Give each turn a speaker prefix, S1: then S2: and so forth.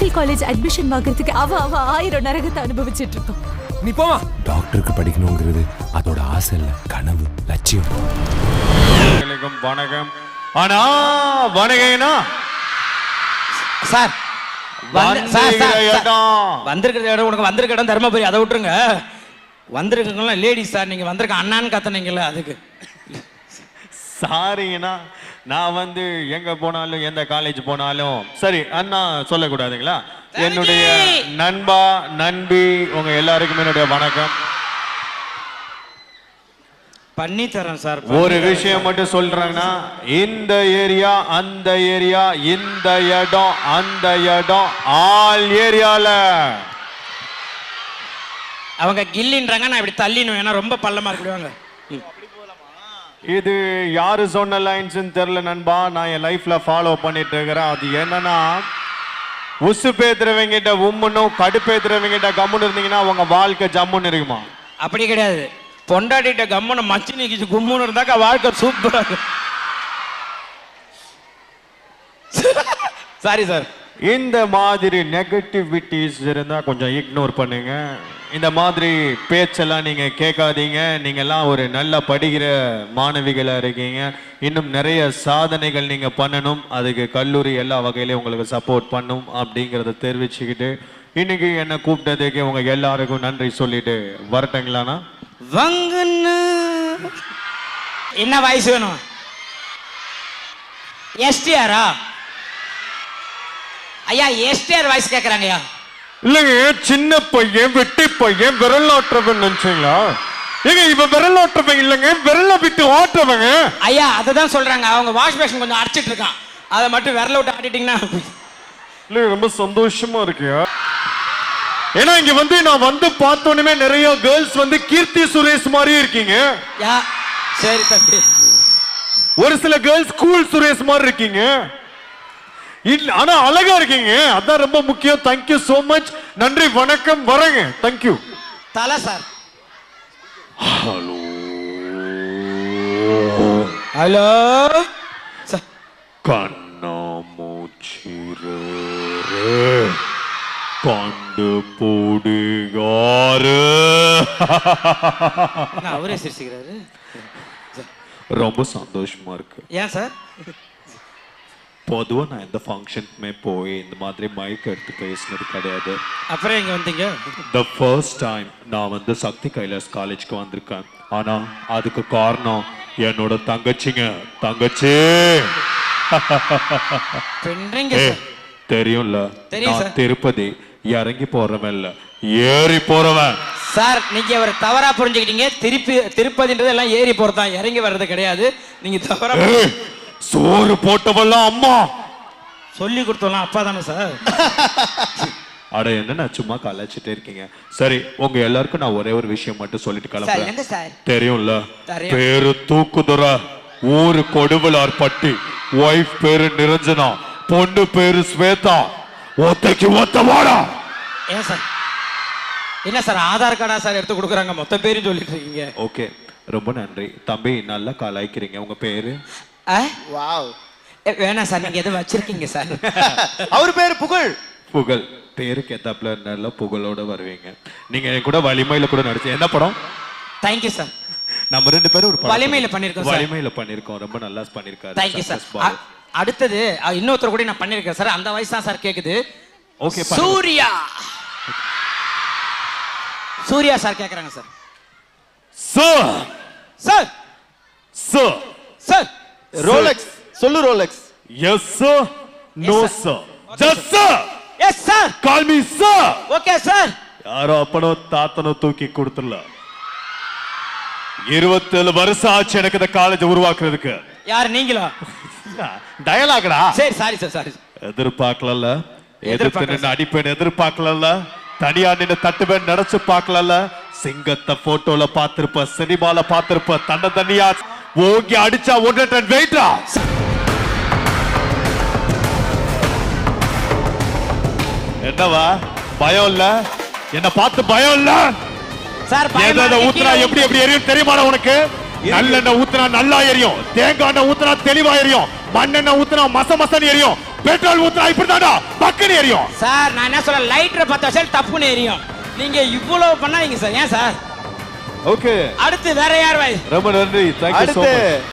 S1: Medical college admission வாங்குறதுக்கு அவ 1000 நரகத்தை அனுபவிச்சிட்டு இருக்கோம்.
S2: நீ போமா.
S3: டாக்டருக்கு படிக்கணுங்கிறது அதோட ஆசை இல்ல, கனவு, லட்சியம்.
S4: வணக்கம். ஆனா வணக்கம்னா
S5: சார்
S4: வந்திருக்கிற
S5: இடம் உனக்கு வந்திருக்க இடம் தர்மபுரி, அதை விட்டுருங்க. வந்திருக்கீங்களா லேடிஸ் சார், நீங்க வந்திருக்க அண்ணான்னு கத்தனீங்கல்ல அதுக்கு
S4: சாரிங்கண்ணா. நான் வந்து எங்க போனாலும் எந்த காலேஜ் போனாலும் சரி அண்ணா சொல்லக்கூடாதுங்களா? என்னுடைய நண்பா நண்பி உங்க எல்லாருக்குமே என்னுடைய வணக்கம்.
S5: பண்ணி தரேன் சார்.
S4: ஒரு விஷயம் மட்டும் சொல்றேன்னா, இந்த ஏரியா அந்த ஏரியா, இந்த இடம் அந்த இடம், ஆல் ஏரியால
S5: அவங்க கில்லின்றாங்க, நான் இப்படி தள்ளினும், ஏன்னா ரொம்ப பள்ளமா இருக்குவாங்க.
S4: இது யாரு சொன்ன லைன்ஸ் தெரியல நண்பா, நான் என் லைஃப்ல ஃபாலோ பண்ணிட்டு இருக்கிறேன். அது என்னன்னா, உசு பேத்துறவங்கிட்ட உம்முன்னும் கடுப்பேத்துறவங்கிட்ட கம்முன்னு இருந்தீங்கன்னா உங்க வாழ்க்கை ஜம்முன்னு இருக்குமா?
S5: அப்படி கிடையாது. பொண்டாட்டிட்ட கம்முன்னு மச்சி நிக்கிச்சு கும்முன்னு இருந்தாக்கா வாழ்க்கை சூப்பரா இருக்கும். Sorry sir.
S4: இந்த மாதிரி நெகட்டிவிட்டிஸ் இருந்தா கொஞ்சம் இக்னோர் பண்ணுங்க. இந்த மாதிரி பேச்செல்லாம் நீங்க கேட்காதீங்க. நீங்க எல்லாம் ஒரு நல்லா படிக்கிற மாணவிகளா இருக்கீங்க. இன்னும் நிறைய சாதனைகள் நீங்க பண்ணணும். அதுக்கு கல்லூரி எல்லா வகையிலையும் உங்களுக்கு சப்போர்ட் பண்ணும் அப்படிங்கறத தெரிவிச்சுக்கிட்டு இன்னைக்கு என்ன கூப்பிட்டதுக்கு உங்க எல்லாருக்கும் நன்றி சொல்லிட்டு வரட்டுங்களாண்ணா?
S5: என்ன வயசு வேணும்? எஸ்டிஆரா? ஐயா எஸ்டிஆர் வாய்ஸ் கேக்குறாங்கய்யா.
S4: இல்லைங்க, சின்ன பையன் வெட்டி பையன் விரல் ஆட்டுறவன் நினைச்சீங்களா? ஏங்க இப்ப விரல் ஆட்டுறவங்க இல்லைங்க, விரல விட்டு ஆட்டுறவங்க.
S5: ஐயா அததான் சொல்றாங்க, அவங்க வாஷ் பேஷன் கொஞ்சம் அடிச்சிட்டு இருக்கான், அதை மட்டும் விரல விட்டு ஆட்டிட்டீங்கன்னா.
S4: இல்ல ரொம்ப சந்தோஷமா இருக்கியா? ஏன்னா இங்க வந்து நான் வந்து பார்த்தோன்னே நிறைய கேர்ள்ஸ் வந்து கீர்த்தி சுரேஷ் மாதிரி இருக்கீங்க.
S5: சரி தம்பி.
S4: ஒரு சில கேர்ள்ஸ் கூல் சுரேஷ் மாதிரி இருக்கீங்க. ஆனா அழகா இருக்கீங்க, அதான் ரொம்ப முக்கியம். Thank you so much. நன்றி, வணக்கம், வரேங்க. தேங்க்யூ.
S5: தல சார்.
S4: ஹலோ
S5: ஹலோ
S4: கண்ணாமூச்சிரே கண்டு போடுகாரு.
S5: அவரே சிரிச்சுக்கிறாரு.
S4: ரொம்ப சந்தோஷமா இருக்கு.
S5: ஏன் சார்?
S4: பொதுவா நான் எந்த ஃபங்க்ஷனுக்குமே போய் இந்த மாதிரி மைக் எடுத்து பேசினது கிடையாது.
S5: அப்புறம் எங்க வந்தீங்க?
S4: The first time நான் வந்து சக்தி கைலாஸ் காலேஜ்க்கு வந்திருக்கேன். ஆனா அதுக்கு காரணம் என்னோட தங்கச்சிங்க. தங்கச்சி தெரியும்ல, நான் திருப்பதி இறங்கி போறவன் இல்ல, ஏறி போறவன்.
S5: சார் நீங்க ஒரு தவறா புரிஞ்சுக்கிட்டீங்க. திருப்பதின்றது எல்லாம் ஏறி போறதான், இறங்கி வர்றது கிடையாது. நீங்க தவறா
S4: சோறு போட்டவெல்லாம் அம்மா,
S5: சொல்லி கொடுத்தோம்லாம் அப்பா தானே சார்.
S4: அட என்ன நான் சும்மா கலாச்சிட்டே இருக்கீங்க. சரி, உங்க எல்லாருக்கும் நான் ஒரே ஒரு விஷயம் மட்டும் சொல்லிட்டு கிளம்புறேன். தெரியும்ல, பேரு தூக்குதுற, ஊரு கொடுவலார் பட்டி, ஒய்ஃப் பேரு நிரஞ்சனா, பொண்ணு பேரு ஸ்வேதா, ஒத்தைக்கு ஒத்தவாடா.
S5: ஏன் சார்? என்ன சார் ஆதார் கார்டா சார் எடுத்து கொடுக்குறாங்க, மொத்த பேரும் சொல்லிட்டு இருக்கீங்க.
S4: ஓகே, ரொம்ப நன்றி தம்பி, நல்லா கலாய்க்கிறீங்க. உங்க பேரு?
S5: வாவ். வேணாம் சார், நீங்க எதுவும் வச்சிருக்கீங்க சார்.
S2: அவர் பேரு புகழ்.
S4: புகழ் பேருக்கு ஏத்தாப்புல நல்ல புகழோட வருவீங்க. நீங்க கூட வலிமையில கூட நடிச்சு என்ன படம்?
S5: Thank you sir.
S4: நம்ம ரெண்டு பேரும் ஒரு
S5: வலிமையில பண்ணிருக்கோம் சார்.
S4: வலிமையில பண்ணிருக்கோம், ரொம்ப நல்லா பண்ணிருக்காரு.
S5: Thank you sir. அடுத்தது இன்னொருத்தர் கூட நான் பண்ணிருக்கேன் சார், அந்த வாய்ஸ் தான் சார் கேக்குது.
S4: ஓகே,
S5: சூர்யா. சூர்யா சார் கேக்குறாங்க sir.
S4: Sir
S5: sir
S4: sir
S5: sir
S2: Rolex சொல்லு. Rolex.
S4: Yes sir. No sir. Just sir.
S5: Yes sir.
S4: Call me sir.
S5: Okay sir.
S4: யாரோ அப்பனோ தாத்தனோ தூக்கி கொடுத்துடல. 27 வருஷம் ஆச்சு எனக்கு இந்த காலேஜ் உருவாக்குறதுக்கு.
S5: யார் நீங்களா?
S4: டயலாக்டா.
S5: சரி சாரி சார், சாரி.
S4: எதிர்பார்க்கல, எதிர்த்து நின்று அடிப்பேன் எதிர்பார்க்கல, தனியா நின்று தட்டுவேன் நினைச்சு பார்க்கல. சிங்கத்தை போட்டோல பார்த்திருப்ப, சினிமால பார்த்திருப்ப, தன்னை தனியா ஓங்கி அடிச்சா 1 டன் வெயிட்டா. என்னவா பயம் இல்ல? என்ன பார்த்து பயம் இல்ல?
S5: சார்
S4: ஏதாவது ஊத்துனா எப்படி எப்படி எரியும் தெரியுமா உனக்கு? நல்லெண்ணெய் ஊத்துனா நல்லா எரியும், தேங்காய் எண்ணெய் ஊத்துனா தெளிவா எரியும், மண்ணெண்ணெய் ஊத்துனா மச மசன்னு எரியும்,
S6: பெட்ரோல் ஊத்துனா இப்படிதான்டா பக்கனே எரியும்.
S5: சார் நான் என்ன சொல்ல, லைட்டரை 10 வருஷம் தப்புன்னு எரியும். நீங்க இவ்வளவு பண்ணாதீங்க சார். ஏன் சார்?
S4: ஓகே,
S5: அடுத்து வேற யார் வாய்?
S4: ரொம்ப நன்றி. தேங்க்யூ சோ
S2: அடுத்து
S4: மச்.